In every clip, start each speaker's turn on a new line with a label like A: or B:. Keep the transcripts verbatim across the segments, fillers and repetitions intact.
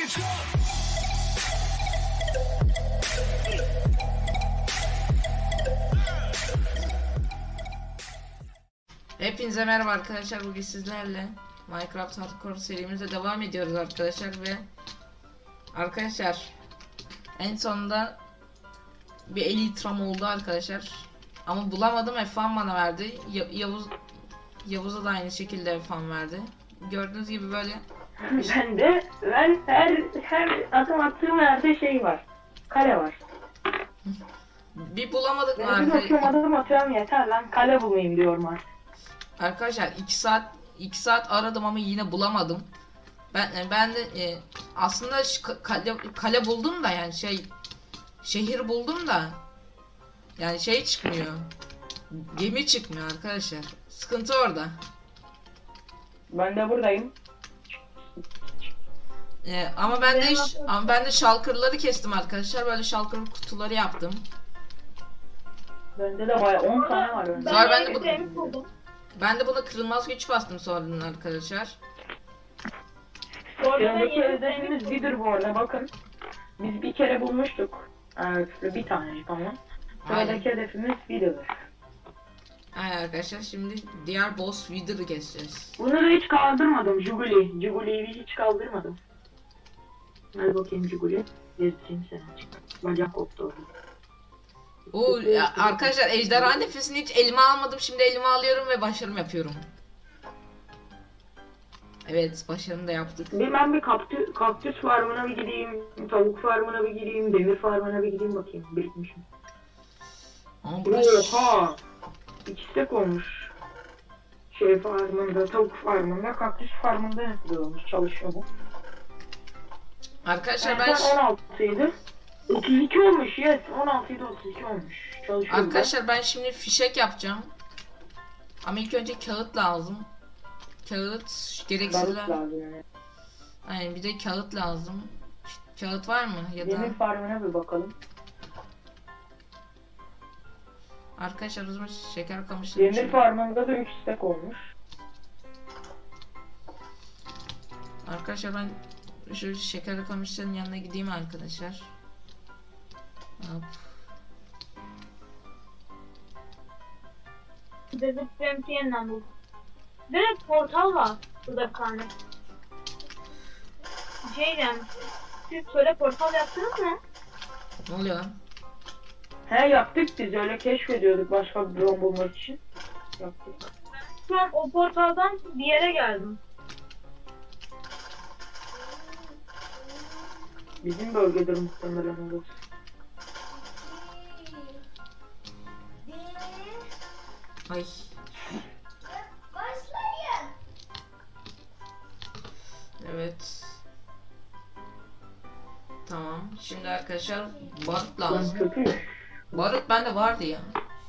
A: Hepinize merhaba arkadaşlar, bugün sizlerle Minecraft Hardcore serimize devam ediyoruz arkadaşlar ve arkadaşlar en sonunda bir elitram oldu arkadaşlar ama bulamadım, F bir bana verdi. Ya Yavuz Yavuz'a da aynı şekilde F bir verdi. Gördüğünüz gibi böyle.
B: Ben de ben her her adım attığım yerde şey var. Kale var.
A: Bir bulamadık mı
B: Ben bir bakıyorum
A: arkadaşlar?
B: adım atıyorum yeter lan kale bulmayayım diyorum artık.
A: Arkadaşlar iki saat iki saat aradım ama yine bulamadım. Ben ben de e, aslında kale, kale buldum da yani şey şehir buldum da yani şey çıkmıyor. Gemi çıkmıyor arkadaşlar. Sıkıntı orada.
B: Ben de buradayım.
A: E, ama ben de ama ben de shulker'ları kestim arkadaşlar. Böyle shulker kutuları yaptım.
B: Bende de bayağı on tane var bende.
A: Sonra ben de bu ben de buna kırılmaz güç bastım sonradan arkadaşlar.
B: Yanındaki hedefimiz Wither bu arada bakın. Biz bir kere bulmuştuk. Evet, bir tanecik ama. Sıradaki hedefimiz Wither.
A: Aynen arkadaşlar, şimdi diğer boss Wither'ı keseceğiz.
B: Bunu da hiç kaldırmadım. Juguli. Juguli'yi hiç kaldırmadım. Hadi bakayım Juguli. Gezdireyim seni açık. Bacak koptu orada.
A: Oo ya, arkadaşlar ejderha nefesini hiç elime almadım. Şimdi elime alıyorum ve başarım yapıyorum. Evet, başarımı da yaptık.
B: Bir ben bir kaktüs, kaktüs farmına bir gideyim, tavuk farmına bir gideyim, demir farmına bir gideyim bakayım. Birikmişim.
A: Ama burası...
B: Oha! İkisi de olmuş. Şey farmında, tavuk farmında, kaktüs farmında yapılıyormuş, çalışıyor bu.
A: Arkadaşlar
B: ben...
A: ben...
B: on altıydı. otuz iki olmuş, yes. on altıydı, otuz iki olmuş. Çalışıyor.
A: Arkadaşlar ben şimdi fişek yapacağım. Ama ilk önce kağıt lazım. Kağıt gereksizler.
B: Yani.
A: Aynen, bir de kağıt lazım. Kağıt var mı ya da?
B: Demir farmına bir bakalım.
A: Arkadaşlar o zaman şeker kamışları.
B: Demir farmında da üç stack olmuş.
A: Arkadaşlar ben şu şeker kamışların yanına gideyim arkadaşlar. Hop.
C: Desert Champion buldum. Direkt portal var burada bir tane. Şeyden, siz söyle portal yaptınız mı?
A: Ne oluyor lan?
B: He yaptık biz öyle keşfediyorduk başka bir drone bulmak için. Yaptık.
C: Şu an o portaldan bir yere geldim.
B: Bizim bölgedir muhtemelen orası.
A: Ay. Evet. Tamam. Şimdi arkadaşlar barut lazım. Barut bende vardı ya.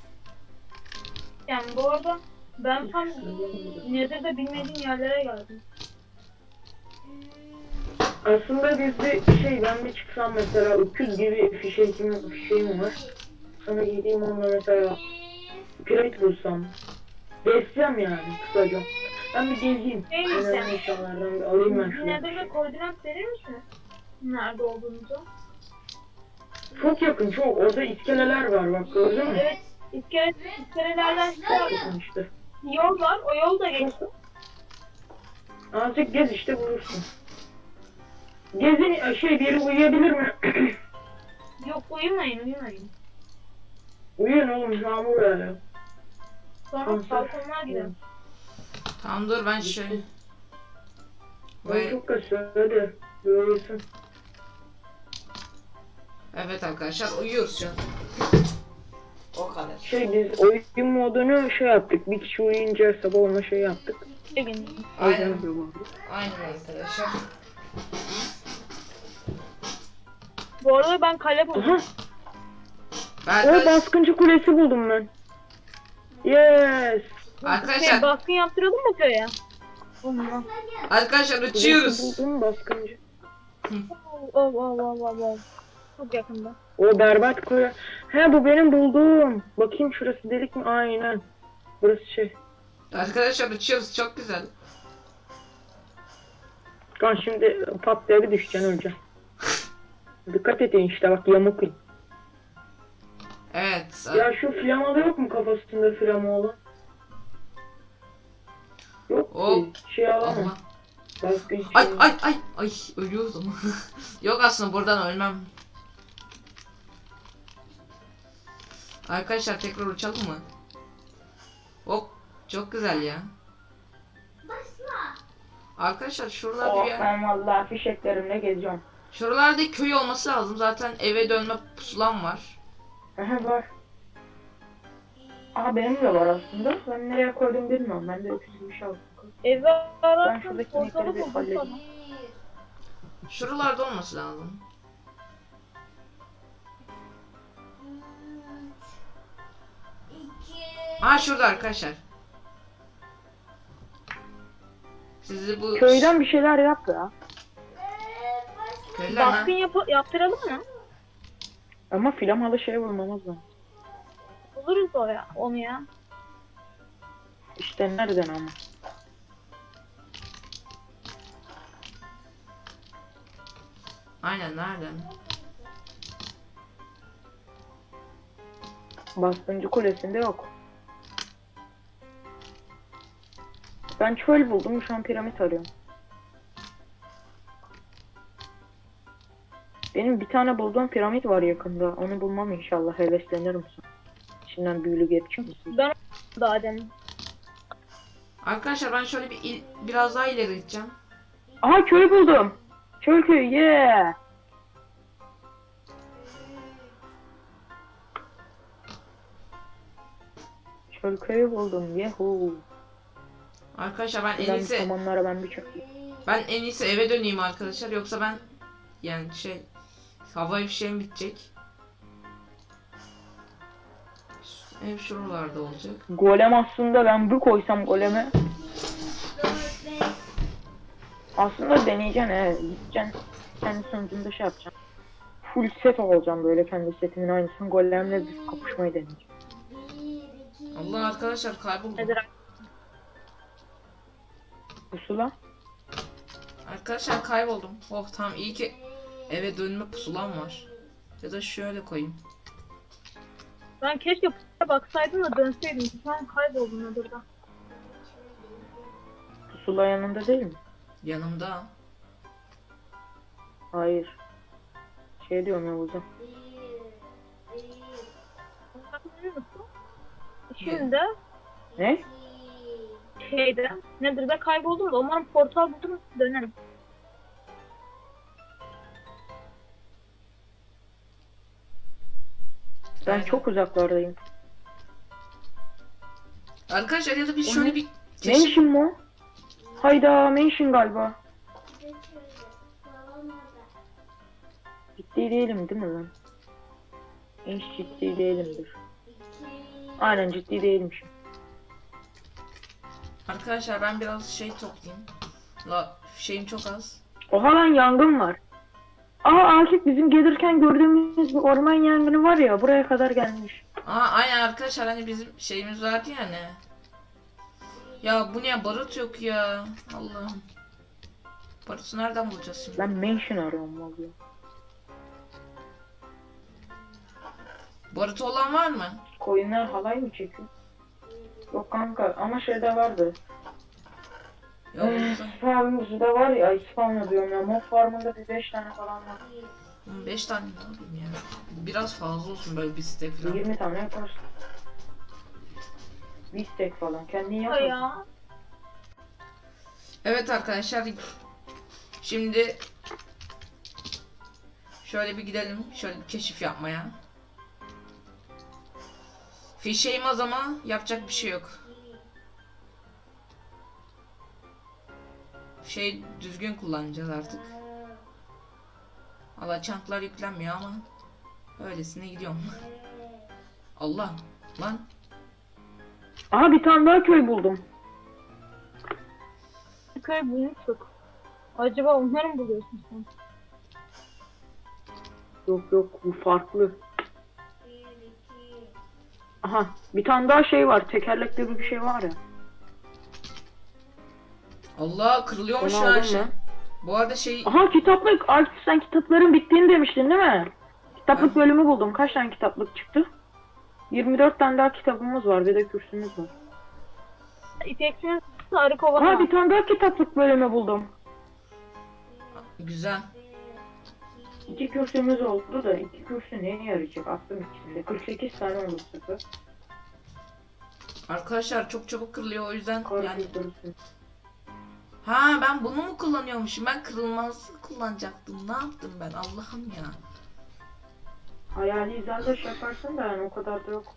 C: Yani bu arada ben tam Nether'da bilmediğim yerlere geldim.
B: Aslında bizde şey ben bir çıksam mesela öküz gibi fişeğim, fişeğim var. Sana gideyim onunla mesela piramit bulsam. Besleyeceğim yani kısaca. Ben bir gezeyim.
C: Şey
B: Önemli insanlardan bir alayım ben şunu.
C: Nether'da koordinat verir misiniz? Nerede olduğunuzu?
B: Çok yakın çok. Orada iskeleler var bak gördün mü?
C: Evet, iskele, iskelelerden
B: Çok yakın işte.
C: yol var, o yol da geçti.
B: Azıcık gez işte bulursun. Gezin şey biri uyuyabilir mi?
C: Yok, uyumayın, uyumayın.
B: Uyuyun oğlum yağmur yağıyor.
C: Sonra balkonlar gidelim.
A: Tamam dur ben şöyle.
B: Ben çok kaçıyor hadi. Uyuyorsun.
A: Evet arkadaşlar uyuyoruz şu an. O kadar.
B: Şey biz oyun modunu şey yaptık. Bir kişi uyuyunca sabah ona şey yaptık.
A: Aynen. Aynen arkadaşlar.
C: Bu arada ben kale buldum.
B: Aha.
A: Ben
B: O baskıncı kulesi buldum ben. Yes.
A: arkadaşlar
C: Şey, baskın yaptıralım mı köye? Olmaz.
A: arkadaşlar uçuyoruz.
B: Kulesi buldum baskıncı.
C: Oh, oh, oh, oh, oh. Çok yakında.
B: O berbat kule. He bu benim bulduğum. Bakayım şurası delik mi? Aynen. Burası şey.
A: Arkadaşlar uçuyoruz, çok güzel.
B: Lan şimdi pat diye bir düşeceksin öleceksin. Dikkat edin işte bak yamuk.
A: Evet.
B: Ya şu flamada yok mu kafasında flama olan? Yok
A: Hop.
B: ki. Şey alamam.
A: Allah.
B: Başka hiç
A: Ay
B: şey
A: ay ay ay ölüyordum. Yok aslında buradan ölmem. Arkadaşlar tekrar uçalım mı? Hop çok güzel ya. Arkadaşlar şuralarda
B: Oh
A: bir yer.
B: ben vallahi fişeklerimle gezeceğim.
A: Şuralarda köy olması lazım. Zaten eve dönme pusulam var.
B: Aha var. Aa benim de var aslında. Ben nereye koydum bilmiyorum. Ben de öküz gibi şey aldım.
C: Eve
B: Ben
C: ararsan
B: şuradaki
C: portalı
B: inekleri bir
C: buldum
B: halledeyim.
C: sana.
A: Şuralarda olması lazım. Aa şurada arkadaşlar. Sizi bu
B: Köyden bir şeyler yap ya.
A: köyler
C: Baskın
A: mi?
C: yap yaptıralım mı?
B: Ama flamalı şey bulmamız lazım.
C: Buluruz o ya, onu ya.
B: İşte nereden ama?
A: Aynen nereden?
B: Baskıncı kulesinde yok. Ben çöl buldum. Şu an piramit arıyorum. Benim bir tane bulduğum piramit var yakında. Onu bulmam inşallah. Heveslenirim sonra. İçinden büyülü geçiyor musun?
C: Ben daha demin.
A: Arkadaşlar ben şöyle bir il- biraz daha ileri gideceğim.
B: Aha köy buldum. Çöl köyü. Yeah. Çöl köyü buldum. Yahoo.
A: Arkadaşlar ben en
B: Ben
A: iyisi
B: samanlara ben bir çöktüm.
A: ben en iyisi eve döneyim arkadaşlar yoksa ben yani şey hava fişeğim bitecek. Ev şuralarda olacak.
B: Golem aslında ben bir koysam goleme. Aslında deneyeceksin he. Gideceksin. Kendi sonucunda şey yapacaksın. Full set olacağım böyle kendi setimin aynısını. Golemle bir kapışmayı deneyeceğim.
A: Allah arkadaşlar kayboldum.
C: Nedir?
B: Pusula.
A: Arkadaşlar kayboldum. Oh tamam iyi ki eve dönme pusulam var. Ya da şöyle koyayım.
C: Ben keşke p***e baksaydım da dönseydim. Şu an kayboldum Nedir'den.
B: Pusula yanında değil mi?
A: Yanımda.
B: Hayır. Şey diyorum Yavuz'a.
C: Biliyor musun? Şimdi
B: Ne?
C: şeyde Nedir'de kayboldum da umarım portal buldum dönerim.
B: Ben
A: Aynen.
B: çok uzaklardayım.
A: Arkadaşlar ya da biz
B: O
A: şöyle
B: ne?
A: bir keşif...
B: Mansion mu? Hayda Mansion galiba. Ciddi değilim değil mi ben? Hiç ciddi değilimdir. Aynen ciddi değilmişim.
A: Arkadaşlar ben biraz şey toplayayım. La şeyim çok az.
B: Oha lan yangın var. Aa Akif bizim gelirken gördüğümüz bir orman yangını var ya buraya kadar gelmiş.
A: Aa aynen arkadaşlar hani bizim şeyimiz vardı ya ne? Ya bu ne barut yok ya. Allah'ım. Barutu nereden bulacağız şimdi?
B: Ben mansion arıyorum vallahi.
A: Barutu olan var mı?
B: Koyunlar halay mı çekiyor? Yok kanka ama şeyde vardı.
A: Yok.
B: Ee, Farmımızda var ya İspanya diyorum ya. Mob farmında bir beş tane falan var.
A: beş tane ne yapayım ya? Biraz fazla olsun böyle bir stek falan.
B: yirmi tane yaparsın. Bir steak falan. Kendin
C: Ha
B: yaparsın.
C: ya.
A: Evet arkadaşlar. Şimdi şöyle bir gidelim. Şöyle bir keşif yapmaya. Fişeğim az ama yapacak bir şey yok. Şey düzgün kullanacağız artık. Valla çantlar yüklenmiyor ama öylesine gidiyorum. Allah lan.
B: Aha bir tane daha köy buldum.
C: Köy bulmuştuk. Acaba onları mı buluyorsun sen?
B: Yok yok bu farklı. Aha bir tane daha şey var. Tekerlekli bir şey var ya.
A: Allah kırılıyormuş
B: Onu
A: şu an
B: aldın
A: şey.
B: mı?
A: Bu arada şey
B: Aha kitaplık. Artık sen kitapların bittiğini demiştin değil mi? Kitaplık
A: Ha.
B: bölümü buldum. Kaç tane kitaplık çıktı? yirmi dört tane daha kitabımız var. Bir de kürsümüz var.
C: İpeksinin sarı kova.
B: Aha bir tane daha kitaplık bölümü buldum.
A: güzel.
B: İki kürsümüz oldu da iki kürsü neye yarayacak? Aklım içinde. kırk sekiz tane oldu bu sefer.
A: Arkadaşlar çok çabuk kırılıyor o yüzden
B: Kar
A: yani.
B: kürsüsü.
A: Ha ben bunu mu kullanıyormuşum? Ben kırılmaz kullanacaktım. Ne yaptım ben? Allah'ım ya.
B: Hayali izlendeş yaparsın da yani o kadar da yok.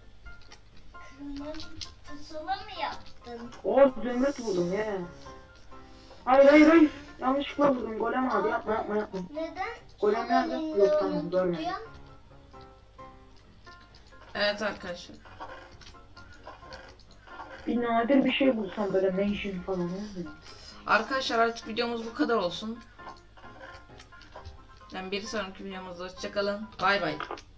D: Pusula mı yaptın?
B: O zümrüt buldum ya. Hayır hayır hayır. Yanlışlıkla buldum. Golem abi yapma yapma yapma.
D: Neden?
B: Golem nerede? Yok tamam görmedim.
A: Evet arkadaşlar.
B: Bir nadir bir şey bulsam böyle mention falan olmuyor.
A: Arkadaşlar artık videomuz bu kadar olsun. Yani bir sonraki videomuzda hoşçakalın. Bay bay.